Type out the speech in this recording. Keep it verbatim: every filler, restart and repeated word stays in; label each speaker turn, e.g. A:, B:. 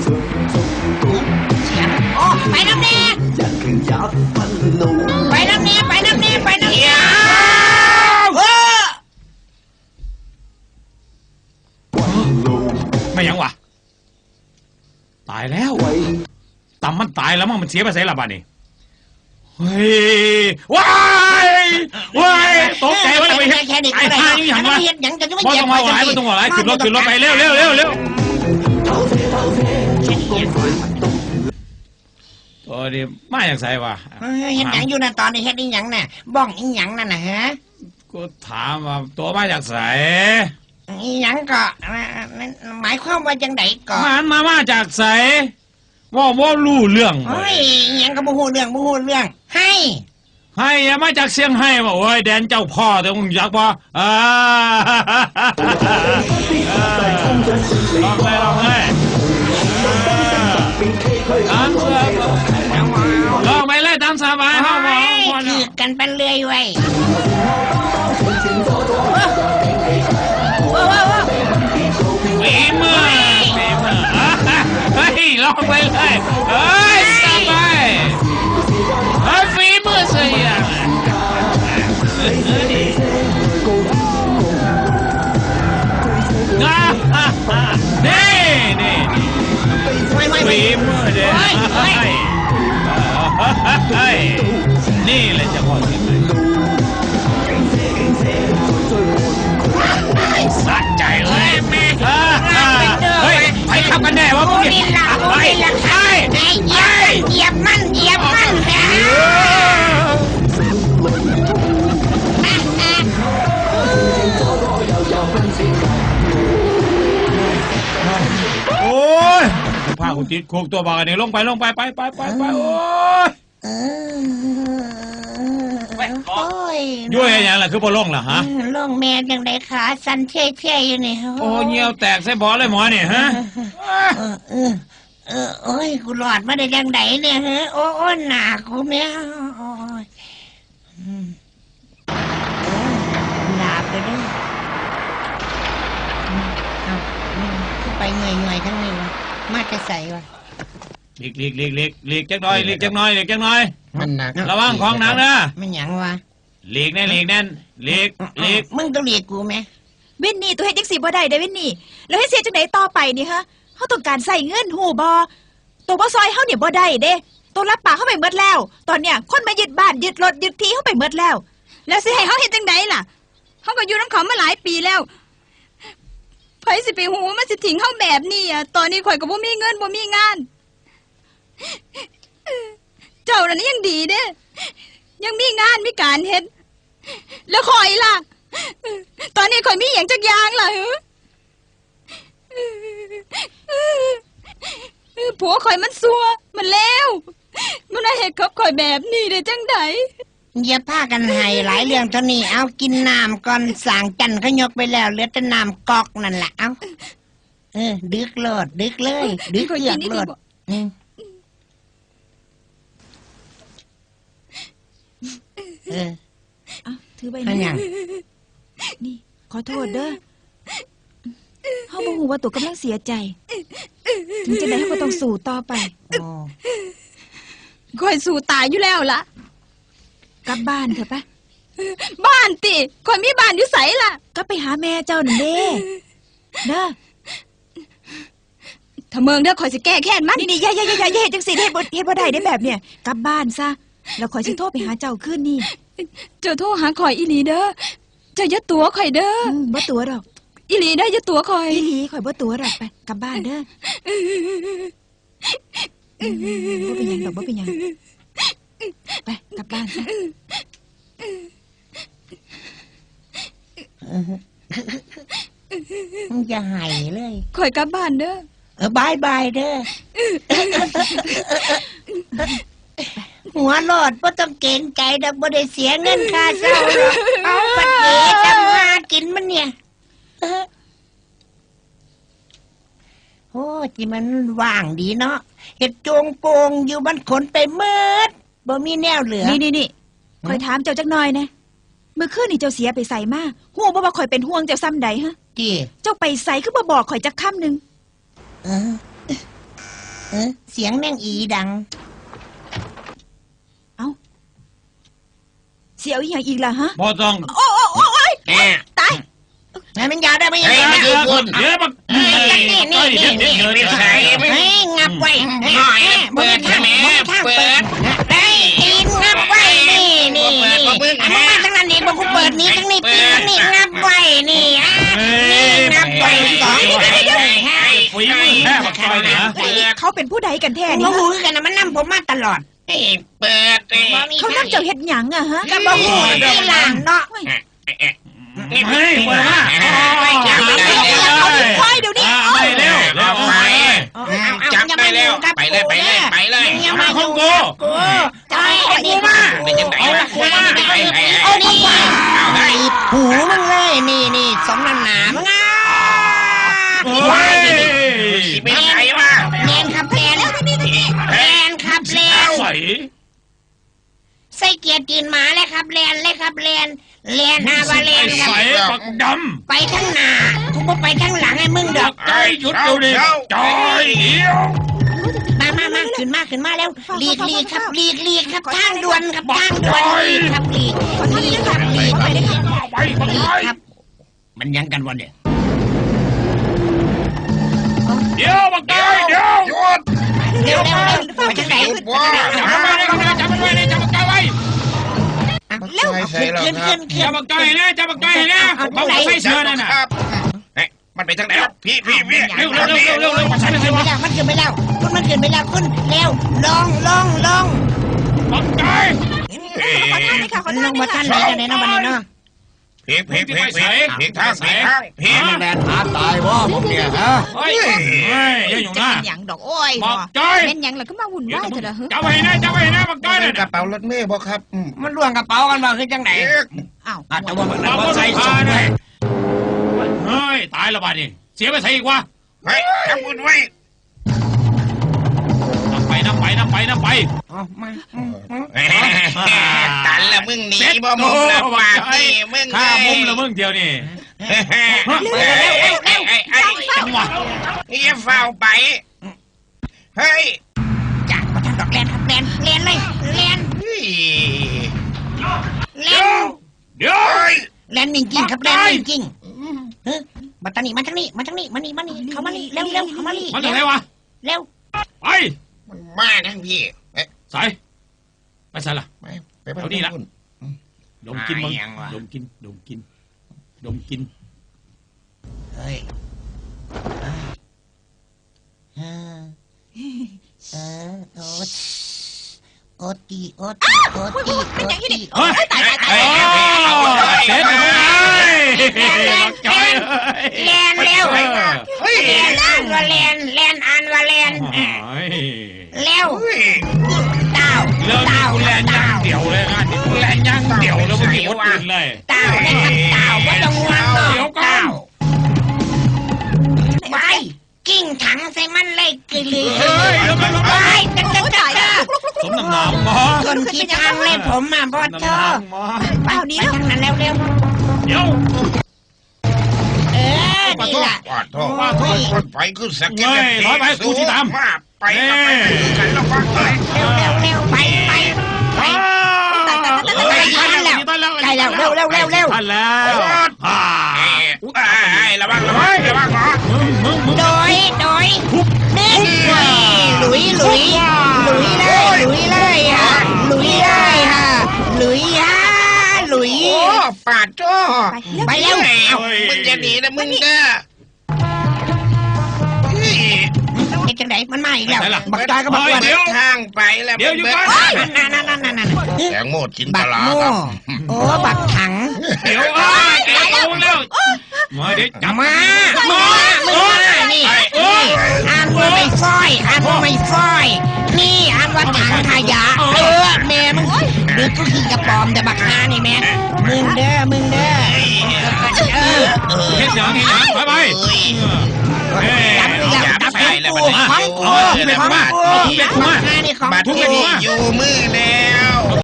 A: เสียงโอ้ไปน้ำแน่ไปน้ำแน่ไปน้ำแน่ไปน้ำแน่
B: ไม่ยังวะตายแล้วตำมันตายแล้วมั้งมันเสียไปใส่ละบ้านี่เฮ้ยว้ายว้ายตกใจวะเลยไปเห็นไอ้ท่านี่อย่างวะพอต้องมาหลายมันต้องหลายขึ้นรถขึ้นรถไปเร็วเร็วเร็วเร็วตัวนี้มาอย่างไรวะ
A: เห็นหยังอยู่นะตอนนี้เห็นอีหยังน่ะบ้องอีหยังนั่นน่ะฮะ
B: กูถามว่าตัวมาจากไหน
A: อีหยังก็หมายความว่าจังไดก็
B: มันมามาจากไหนว่าว่ารู้เรื่อง
A: เฮ้ยอีหยังก็บ่ฮู้เรื่องบ่ฮู้เรื่องให้
B: ให้มาจากเสียงให้ว่าโอ้ยแดนเจ้าพ่อแต่มึงอยากบ่อ่าลองเลยลองเลยตามสบายลองไปเลยตามสบายเข้ามา
A: คือกันเป็นเรื่อยไว้
B: ฝีมือฝีมือเฮ้ยลองไปเลยเฮ้ยสบายเฮ้ยฝีมือเสียนี่นี่ฝีมือเด้นี่แหละจะพอสิสะใจเลยแม่เฮ้ยไปขับกันแน่วะพวกนี้ไปไป
A: เหยียบมันเหยียบมัน
B: โอ้ยพาคุณติดคุกตัวบากันนี่ลงไปลงไปไปไปไปไปโอ้ยโอ้ยด้วยอะไรล่ะคือบ่ลงล่ะฮะ
A: ลงแม่ยังไดขาสั่นเท่ๆอยู่นี่
B: โอ้เงี้ยวแตกใส่บอเลยหมอนี่ฮะ
A: เออเออโอ้ยกูหลอดมาได้ยังไงเนี่ยฮะโอ้ยหนากูเนี่ยโอ้ยหนาไปด้วยเอาไปเหนื่อยๆทั้งนี้วะมาจะใส่วะ
B: หลีกหลีกหลีกหลีกหลีกจักหน่อยหลีกจักหน่อยหลีกจักหน่อย
A: มันหนัก
B: ระวังของหนักนะ
A: ไม่หยังวะ
B: หลีกแน่หลีกแน่นหลีกหลีก
A: มึงต้องหลีกกูไหม
C: วินนี่ตัวเฮ็ดจังสีบ่ได้ได้วินนี่แล้วให้เสียจังไหนต่อไปนี่ฮะเขาต้องการใส่เงินหูบอตัวบ่ซอยเขาเนี่ยบ่ได้เด้ตัวรับปากเขาไปเมดแล้วตอนเนี้ยคนมายึดบ้านยึดรถยึดที่เขาไปเมดแล้วแล้วสิให้เขาเฮ็ดจังไดล่ะเขาก็อยู่น้ำเขามาหลายปีแล้วไผสิไปหูมันสิทิ้งเขาแบบนี้อ่ะตอนนี้ข่อยก็บ่มีเงินบ่มีงานเจ้าน่ะยังดีเด้ยังมีงานมีการเฮ็ดแล้วข่อยล่ะตอนนี้ข่อยมีอย่างจักอย่างล่ะผัวข่อยมันซัวมันแล้วมันน่าเห็ดกับข่อยแบบนี้ได้จังได
A: อย่าพากันให้หลายเรื่องเท่านี้เอากินน้ำก่อนสางจันเขายกไปแล้วเหลือแต่น้ำกอกนั่นแหละเอาเออดึกโลดดึกเลยดึกเกือกโลดเออ
C: ถือใบนี้นี่ขอโทษเด้อเขาบอกว่าตัวกำลังเสียใจถึงจะได้เขาก็ต้องสู้ต่อไปคอยสู้ตายอยู่แล้วล่ะกลับบ้านเถอะปะบ้านติคอยมีบ้านอยู่ใสล่ะก็ไปหาแม่เจ้าหนึ่งเด้เด้อถ้าเมืองเด้อคอยสิแก้แค้นมันนี่นี่ย่าย่าย่าย่าเฮ็ดจังสิเฮ็ดบ่เฮ็ดบ่ได้ได้แบบเนี้ยกลับบ้านซะแล้วคอยสิโทรไปหาเจ้าคืนนี้เจ้าโทรหาคอยอีหลีเด้อเจ้าอย่าตัวคอยเด้อบ่ตัวดอกอีหลีได้อย่าตัวคอยอีหลีคอยบ่ตัวดอกไปกลับบ้านเด้อบ่เป็นหยังดอกบ่เป็นหยังไปกลับบ้านซะ
A: มึงจะหายเลย
C: คอยกลับบ้านเด้อ
A: เออบายบายเด้อหัวหลอดบ่ต้องเกรงใจดอกบ่ได้เสียเงินค่าเช่าหรอกเอาปัดเก๋ทำมากินมันเนี่ยโอ้จีมันว่างดีเนาะเห็ดโจงโปงอยู่มันขนไปเมิดบ่มีแนวเหลือ
C: นี่นี่นี่คอยถามเจ้าจักหน่อยนะเมื่อคืนนี่เจ้าเสียไปใส่มาห่วงบ่ว่าคอยเป็นห่วงเจ้าซ้ำใดฮะ
A: จี
C: เจ้าไปใส่คือบ่บอกคอยจักคำหนึ่ง
A: เออเสียงแมงอีดัง
C: เสียวอีหยังอีกล่ะฮะ
B: บ่ต้อง
C: โอ้โอ้โอ้โอ้ย
D: แน่
C: ตาย
A: ไอ้มันยาวได้ไหม
D: เฮ้ยไม่ดีคุณ
B: เดี๋ยวบัก
A: นี่นี่นี่นี่นี่
B: เดี๋ยว
D: ไม่
B: เดี๋ยว
D: ใช่ไม่
A: เฮ้ยงับไว้
D: หน่อย
A: เปิดทาง
D: เปิด
A: เปิดทาง
D: เปิ
A: เปิ
D: ด
A: ดเฮ้ยตีนงับไว้นี่นี่นี่อันนั้นมาทั้งนั้นนี่บอกกูเปิดนี้ทั้งนี้ตีนทั้งนี้งับไว้นี่อ่ะนี่งับไว้สอง
B: ฝีมือแค่บักซอยนะ
C: เฮ้ยเขาเป็นผู้ใดกันแท้
A: โอ้
C: นี่
A: โห
C: ฮะ
A: กันนะมันนั่ผมมาตลอด
D: เปิดเอ้
C: เขานั่งเจ้าเฮ็ดหยังอะฮะ
A: ก็บอกกูที่หลังเนาะ
D: นี่
B: เฮ้ยเปิดมา
D: จับได้
C: เอา
D: แล้ว
C: ควายเดี๋ยวนี้
B: อ่า
C: เอา
B: ไปเร็วเร็ว
D: ไป
A: จับได้แล้ว
D: ไปเลยไปเลยไปเลย
A: ยัง
B: มา
A: มา
B: ข
A: ข
B: อ
A: อง ง
B: กู
A: กูจะให้ไอ้นี่มา
D: เป็นยังไง
A: เอา
D: วะ
A: ละกูมาเอานี่ตีหูมึงเลยนี่นี่สมน้ำหนามึงอ่ะ
B: เฮ้ย
D: ไม่ใช่วะ
A: แลนครับแลนแลนครับแลน
B: ใส่
A: ใส่เกียร์จีนหมาเลยครับแลนเลยครับแลนแลนอาวาแลนครับ
B: ใส่บักด
A: ไปทั้งหน้ากูบ่ไปทั้งหลังไอ้มึงดอก
B: ำใจหยุดเดี๋ยวนี้จอยเดียว
A: มามามาขึ้นมาขึ้นมาแล้วหลีกหลีกครับหลีกหลีกครับทางด่วนครับทางด่วนหลีกครับหลีกหลีกครับหลีก
C: ไปเลยค่ะ
B: ไปบัก
A: หลี
B: ซ
A: ก
B: อย
A: ครับ
D: มันยังกันวันเนี่ย
B: เดี๋ยวบักซอยเดี๋ยว
D: หยุด
A: เร็วเร็วเร็วไปทางไหน
B: จับมันไว้เลยจับมันไว้เลยจับบักซอยไว้
A: เร็วขึ้นขึ้นขึ้นขึ้
B: จั
A: น
B: บบักซอยนะจับบักซอยนะบักใส่เสื้อนั่นน่ะ
D: เฮ้ยมันไปทางไหนพี่พี่พี่
B: เร็วเร็วเร็วเร็วเร็วมาใส่
A: มัน
B: เสื้
A: ขึ้
B: อน
A: ไปแล้วมันขึ้นไปแล้วคุณมันขึ้นไปแล้วคุณเร็วลงลงลง
B: บักซอย
C: ขอท่านเลยค่ะขอ
A: ล
C: ท่าน
A: ง
C: เล
A: มาย ท่า
C: ค่ะ
A: นไหนกันไหนน้องบันนี่เนาะ
D: พี่พี่พี่พี่พี่ทางพี่ทางพี่
B: มัน
D: แดนหาตายว่าผมเนี่ยฮะ
B: เฮ้ยเฮ้ยอย่าอยู่
C: จะ
B: นะ
C: เป็นหยังดอกโอ้ย
B: บักซอย
C: เป็นหยังล่ะก็มาวุ่นวายเถอะละเฮ้ย
B: จับไว้นะจับไว้นะบักซอย
D: เป็
B: น่ะ
D: นกระเป๋ารถเมย์บ่ครับ
A: มันล่วงกระเป๋ากันมาคือจังไหน
C: อ้าว
D: อาจจะว่ามัน
B: บัก
D: บ่
B: ซอ
D: ใส่
B: ย
D: ส่
B: พาง
D: เล
B: เนี่ย
D: ย
B: เฮ้ยตายแล้วบ้านี่เสียไปใส่อีกวะ
D: เฮ้ยทำบุญไว้
B: นับไปนับไปนับไปนับไป
A: อ๋อมา
D: ตันละมึงหนีบ่มุมละปากนี่มึง
B: ข้ามุมละมึงเดียวนี่
D: เร็วเร็วเร็วเร็วไอ้
B: จังหวะ
D: อย่าเฝ้าไปเฮ้ย
A: จ้ามาท่านดอกแลนครับแลนแลนเลยแลนแลน
B: เดี๋ยว
A: แลนจริงๆครับแลนจริงๆเฮ้ยมาทางนี้มาทางนี้มาทางนี้มานี่มานี่เข้ามานี่เร็วเร็วเข้ามานี่
B: มันจะไหนวะ
A: เร็ว
B: ไป
D: มันมาทั้งพี่เอ๊ะ
B: ใส่ไปใส่ละ
D: ไปไปไป
B: ดมกินมึงดมกินดมกินดมกิน
A: เฮ้ยเออเออโอ๊ตโอ๊ตตีโอ๊ตตีโอ๊ตตีโอ๊ตตี
B: เฮ้ย
C: ตายตายตาย
B: เสร็จแล้วมึงไอ้
A: แลนเร็วแลนอ่านว่าแลนแลนอ่านว่าแลนเร็วเต้า
B: เริ่ม
A: เต้า
B: กูแลนย่างเดี่ยวเลยงานนี้กูแลนย่างเดี่ยวแล้วมึงมีคนอื่นเลย
A: เต้านะครับเต้าไม่ต้องห่วง
B: เดี๋ยวก่อน
A: ไปกิ้งถังใส่มันเลยกลือ
B: เฮ้ยเดี๋ยวก่อน
A: ไปจักจักจักจัก
B: สมน้ำหนักหมอ
A: คนที่ทางเลยผมอ่ะพ่อเธอ
B: หมอ
A: ไปไปทางนั้นเร็วเร็ว
B: เดี๋ยว
A: เออนี่แหละ
D: ปาดท่อว่าท่อคนไฟขึ้นสักมาไปกันแล้วฟังไป
A: เร็วเร็วเร็วไปไปไปใกล้แล้วเร็วเร็วเร็วเร็ว
B: ทันแล้วฮ่า
D: ไอ้ระวังระวังระวังหมอ
B: มึงมึงมึง
A: โดยโดยนี่หลุยหลุยหลุยเลยหลุยเลยฮะหลุยเลยฮะหลุยฮะหลุย
D: โอ้ปาดท่อ
A: ไปเร็ว
D: มึงจะหนีนะมึงเด้อ
A: เด็กจังไหนมันมาอีกแล้วบักจอยก็บักอ้วน
D: เดี๋ยวทางไปแล้ว
B: เดี๋ยวอยู่ก่อน
A: นั่นนั่นนั่นนั่นนั่น
D: แตงโมจินต
A: บัก
D: ลา
A: โม่
D: ครับ
A: โอ้บักถัง
B: เดี๋ยวอ่ะแกโกงแล้วมาเดี๋ยวจับ
A: มามามึงมานี่อ่านว่าไม่ฟอยอ่านว่าไม่ฟอยนี่อ่านว่าถังขยะเออแม่มึงหรือกูขี้กระป๋อมแต่บักฮานี่แม่มึงเด้อมึงเด้อเออ
B: เฮ็ดอย่างนี้ไปไปเฮ้ย
A: จับอีกแล้วจับของกูของกูของกูบักฮานี่ของ
D: บัตร
A: กู
D: ที่อยู่มือแล้ว